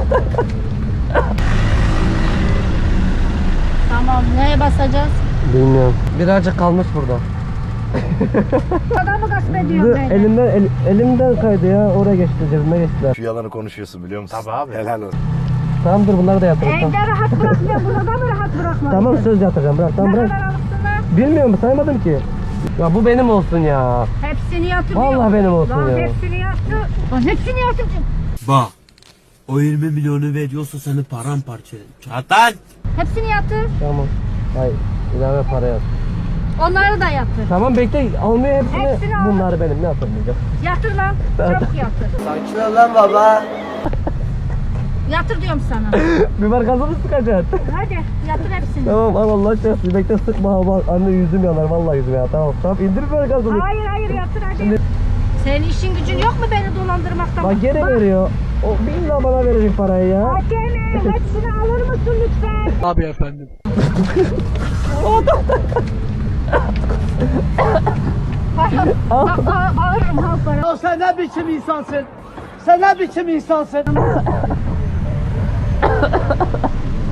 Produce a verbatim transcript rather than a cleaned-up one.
Tamam, neye basacağız? Bilmiyorum. Birazcık kalmış burada. Adamı gasp ediyorum ben. Elimden, el, elimden kaydı ya. Oraya geçti, cebime geçtiler. Şu yalanı konuşuyorsun biliyor musun? Tabii abi. Helal olsun. Tamam dur, bunları da yatırın. Tamam. Evde rahat bırakmıyor, burada mı rahat bırakmadın? Tamam, söz yatıracağım, bırak. Tamam, Ne bırak. kadar alırsın? Bilmiyorum, saymadım ki. Ya bu benim olsun ya. Hepsini yatır. Vallahi benim olsun Lan ya. hepsini yatır. Lan hepsini yatır. Bak. O yirmi milyonu veriyorsa seni paramparça ederim. Çatan. Hepsini yatır. Tamam. Hayır, ilave para yat. Onları da yatır. Tamam bekle, almıyor hepsini. Hepsini al. Bunları benim, ne yapamayacağım. Yatır lan. Çabuk yatır. Sakin ol lan baba. Yatır diyorum sana. Biber gazı mı sıkacaksın? Hadi yatır hepsini. Tamam al, Allah aşkına bekle, sıkma ha, bak anne yüzüm yanar, vallahi yüzüm yanar. Tamam tamam, indir biber gazını. Hayır hayır yatır hadi. Şimdi- Senin işin gücün yok mu beni dolandırmaktan? Bak gene veriyor. O billahi bana verecek parayı ya. Hakeme hepsini alır mısın lütfen? Abi efendim. Bak ba bağırırım ha para. Ya sen ne biçim insansın? Sen ne biçim insansın?